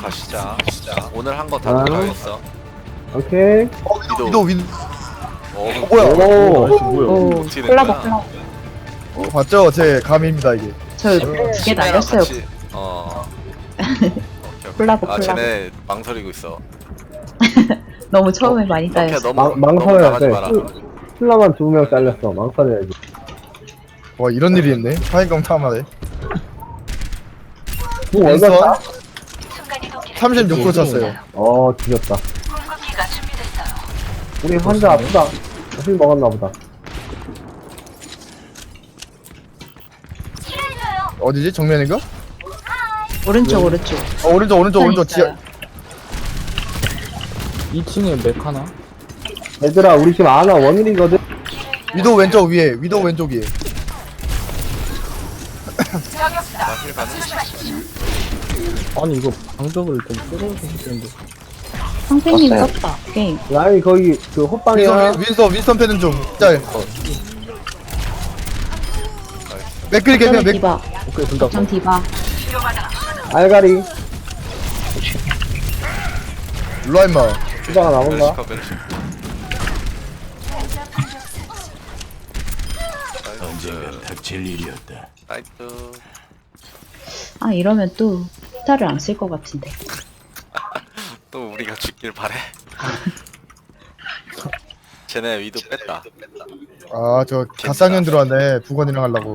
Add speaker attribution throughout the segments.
Speaker 1: 가시자. 오늘 한 거 다 들어가겠어.
Speaker 2: 오케이.
Speaker 3: 위도
Speaker 1: 뭐야?
Speaker 2: 오.
Speaker 4: 오,
Speaker 1: 어떻게 된
Speaker 4: 콜라보
Speaker 1: 거야?
Speaker 4: 콜라보.
Speaker 3: 봤죠? 제 감입니다 이게.
Speaker 4: 저 두 개 날렸어요.
Speaker 1: 같이, 오케이, 오케이.
Speaker 4: 콜라보,
Speaker 1: 아
Speaker 4: 콜라보.
Speaker 1: 쟤네 망설이고 있어.
Speaker 4: 너무 처음에 많이
Speaker 1: 이렇게
Speaker 4: 따였어.
Speaker 1: 너무
Speaker 2: 망설여야
Speaker 1: 나가지
Speaker 2: 돼.
Speaker 1: 마라.
Speaker 2: 힐러만 2명 잘렸어. 망설여야지.
Speaker 3: 와 이런 일이 있네. 파인강 탐하네.
Speaker 2: 뭐 얼마나?
Speaker 3: 36% 쳤어요.
Speaker 2: 뒤졌다. 우리 환자 아프다. 술 먹었나 보다.
Speaker 3: 어디지? 정면인가?
Speaker 4: 오른쪽, 오른쪽.
Speaker 3: 오른쪽 지하.
Speaker 5: 2층에 맥 하나?
Speaker 2: 얘들아, 우리 지금 아나 원일이거든?
Speaker 3: 위도 왼쪽 위에. 위도 왼쪽 위에.
Speaker 1: 나힐 가는.
Speaker 5: 아니 이거 방벽을 좀 뚫어주실 텐데.
Speaker 4: 선생님 썼다. 게임.
Speaker 2: 라인이 거기 그 호빵이야.
Speaker 3: 윈스턴 패는 중. 짤. 맥클이 개면
Speaker 4: 저는
Speaker 3: 맥.
Speaker 4: 디바.
Speaker 5: 오케이 둘다
Speaker 4: 전 디바.
Speaker 2: 알가리.
Speaker 3: 일로와 임마.
Speaker 2: 수다가 나온다.
Speaker 1: 메르시카 메르시.
Speaker 6: 언젠가 닥칠 일이었다.
Speaker 1: 나이스.
Speaker 4: 아, 이러면 또 스타를 안 쓸 것 같은데.
Speaker 1: 또 우리가 죽길 바래. 쟤네 위도 뺐다.
Speaker 3: 아 저 갓상년 들어왔네. 부건이랑 하려고.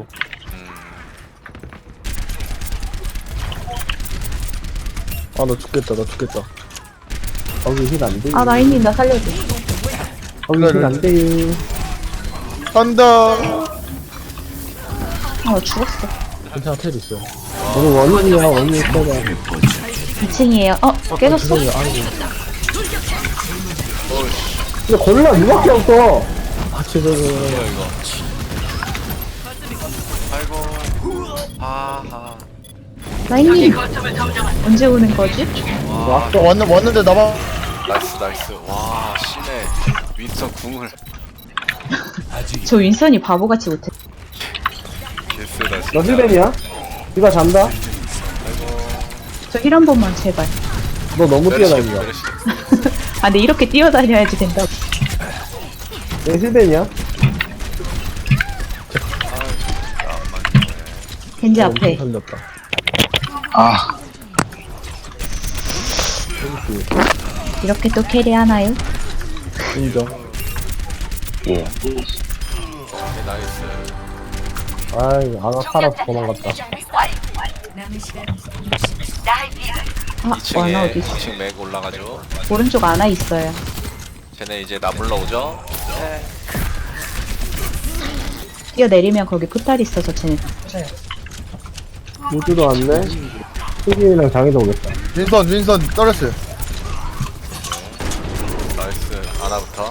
Speaker 5: 아 나 죽겠다 나 죽겠다.
Speaker 2: 거기 힐 안 돼.
Speaker 4: 아, 라인님, 나 살려줘.
Speaker 2: 거기 힐 안 돼요.
Speaker 3: 간다.
Speaker 4: 아, 나 죽었어.
Speaker 5: 괜찮아 텔 있어.
Speaker 2: 우리 원일이야, 원일 있어봐.
Speaker 4: 2층이에요. 깨졌어?
Speaker 5: 죄송해요. 아이고.
Speaker 2: 근데 골라 누밖에 없어.
Speaker 5: 아 죄송해요.
Speaker 1: 뭐야 이거? 아이고. 아하.
Speaker 4: 라인님, 언제 오는 거지?
Speaker 1: 와.
Speaker 3: 왔는데 나봐.
Speaker 1: 나이스. 와 신의 윈스턴 궁을
Speaker 4: 저 윈선이 바보같이 못해.
Speaker 1: 개쎄다 진짜.
Speaker 2: 너 힐벤이야? 이거 잔다?
Speaker 4: 저 힐 한 번만, 제발.
Speaker 2: 너 너무
Speaker 1: 메르시,
Speaker 2: 뛰어다닌다.
Speaker 1: 메르시.
Speaker 4: 아, 근데 이렇게 뛰어다녀야지 된다고.
Speaker 2: 내 힐벤이야?
Speaker 4: 겐지 앞에.
Speaker 5: 살렸다.
Speaker 4: 이렇게 또 캐리하나요?
Speaker 5: 인정.
Speaker 1: 오케이, 나이스.
Speaker 2: 아이, 아나 살아서 도망갔다.
Speaker 4: 아, 와나
Speaker 1: 2층에
Speaker 4: 어디 있어?
Speaker 1: 2층 맥 올라가죠.
Speaker 4: 오른쪽 안아 있어요.
Speaker 1: 쟤네 이제 나 불러오죠.
Speaker 4: 뛰어내리면 거기 포탈 있어서 쟤네.
Speaker 2: 우주도 왔네? 수진이랑 장이도 오겠다.
Speaker 3: 윈선 떨었어요.
Speaker 1: 나이스. 아나부터.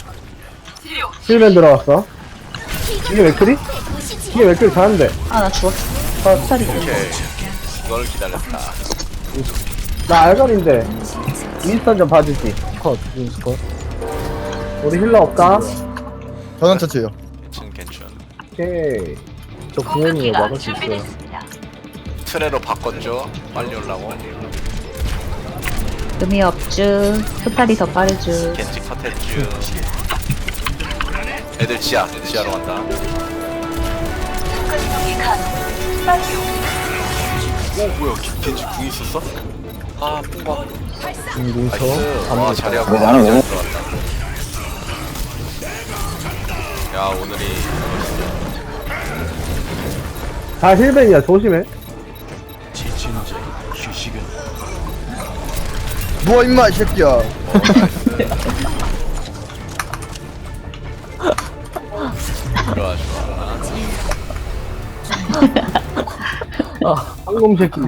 Speaker 2: 힐벤 들어왔어. 이게 맥클이? 이게 맥클이 잘하는데.
Speaker 4: 아, 나 죽었어. 포탈이 있어.
Speaker 1: 오케이. 이걸 기다렸다.
Speaker 2: 나 알갈인데. 윈스턴 좀 봐주지.
Speaker 5: 컷 윈스컷.
Speaker 2: 우리 힐러 없다?
Speaker 3: 전원 처치예요.
Speaker 1: 괜찮.
Speaker 2: 오케이.
Speaker 5: 저 구원이에요 막을 수 있어요.
Speaker 1: 트레로 바꿨죠. 빨리 올라고.
Speaker 4: 의미 없쥬. 포탈이 더 빠르쥬.
Speaker 1: 겐지 컷했쥬. 애들 지하로 간다. 뭐야 겐지 궁 있었어? 아 뽕봐.
Speaker 5: 뭉쳐.
Speaker 1: 나이스. 와 자리하고
Speaker 6: 나는 왜
Speaker 1: 들어갔다. 야 오늘이
Speaker 2: 다 힐벤이야, 조심해.
Speaker 6: 지친 자 휴식은
Speaker 3: 누워 임마 이 새끼야.
Speaker 1: 좋아.
Speaker 2: 황금 새끼.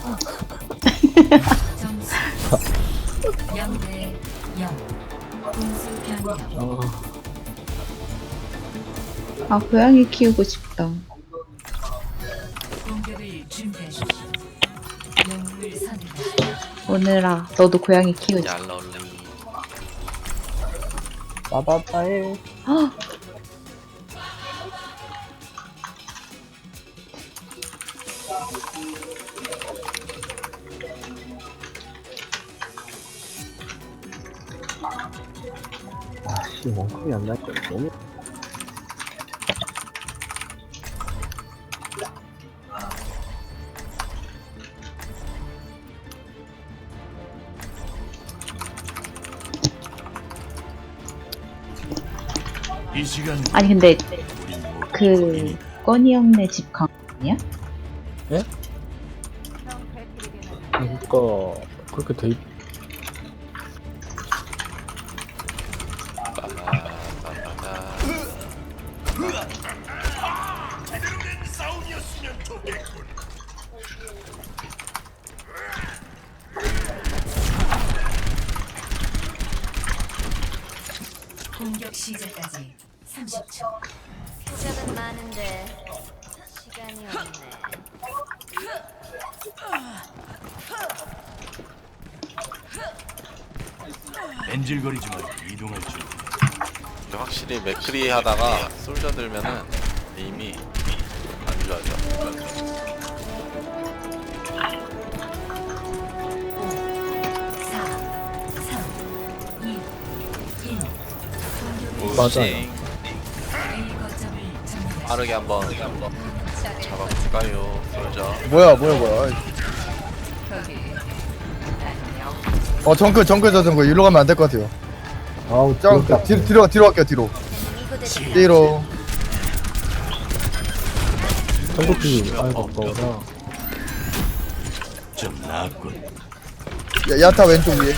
Speaker 4: 아, 고양이 키우고 싶다. 오늘아, 너도 고양이 키우자.
Speaker 1: 얄러리.
Speaker 2: 빠바빠해.
Speaker 4: 아,
Speaker 5: 씨, 원컴이 안 날거 너무.
Speaker 6: 이 시간
Speaker 4: 아니 근데
Speaker 6: 우린 못
Speaker 4: 그 꺼니 형네 집 강 아니야?
Speaker 5: 그니까, 그렇게 돼 있,
Speaker 7: 공격 시작까지 30초.
Speaker 8: 표적은 많은데 시간이 없네.
Speaker 6: 엔질거리지 말고 이동할 줄.
Speaker 1: 근데 확실히 맥크리 하다가 솔저 들면은 이미 안 좋아져.
Speaker 7: 4, 3, 2, 1.
Speaker 5: 맞아요.
Speaker 7: A 거점을 점령.
Speaker 1: 빠르게 한번 잡아볼까요, 솔저?
Speaker 3: 뭐야. 정크 저 일로 가면 안 될 것 같아요.
Speaker 5: 아우,
Speaker 3: 짱
Speaker 5: 진짜.
Speaker 3: 뒤로 갈게요 뒤로. 뒤로.
Speaker 5: 전국비, 아이고, 아까워라.
Speaker 6: 좀 나았군.
Speaker 3: 야타 왼쪽 위에.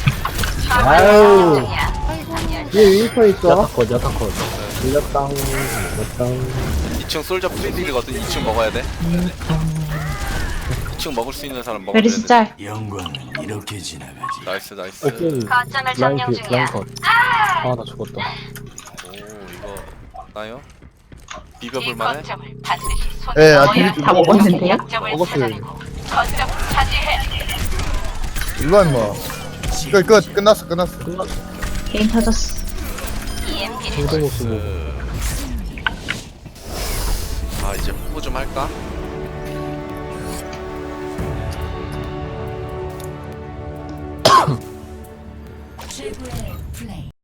Speaker 2: 아유. 얘 윈터 있어?
Speaker 5: 야타컷, 야타컷. 밀렸당, 밀렸당.
Speaker 1: 2층 솔저 프리딜이거든. 2층 먹어야 돼. 2층 먹을 수 있는 사람 먹어야
Speaker 4: 메르시
Speaker 1: 돼.
Speaker 4: 짤.
Speaker 6: 영광은 이렇게 지나가지.
Speaker 1: 나이스.
Speaker 5: 오케이.
Speaker 8: 거점을 점령 중이야.
Speaker 5: 라인 컷. 아, 나 죽었다.
Speaker 1: 오, 이거 나요? 비벼볼 만해?
Speaker 3: 예,
Speaker 4: 다 먹었는데요?
Speaker 3: 먹었어요. 일로 와 임마. 끝났어.
Speaker 4: 게임 터졌어.
Speaker 5: 성공 쓰고.
Speaker 1: 아, 이제 홍보 좀 할까?
Speaker 7: 최고의 플레이.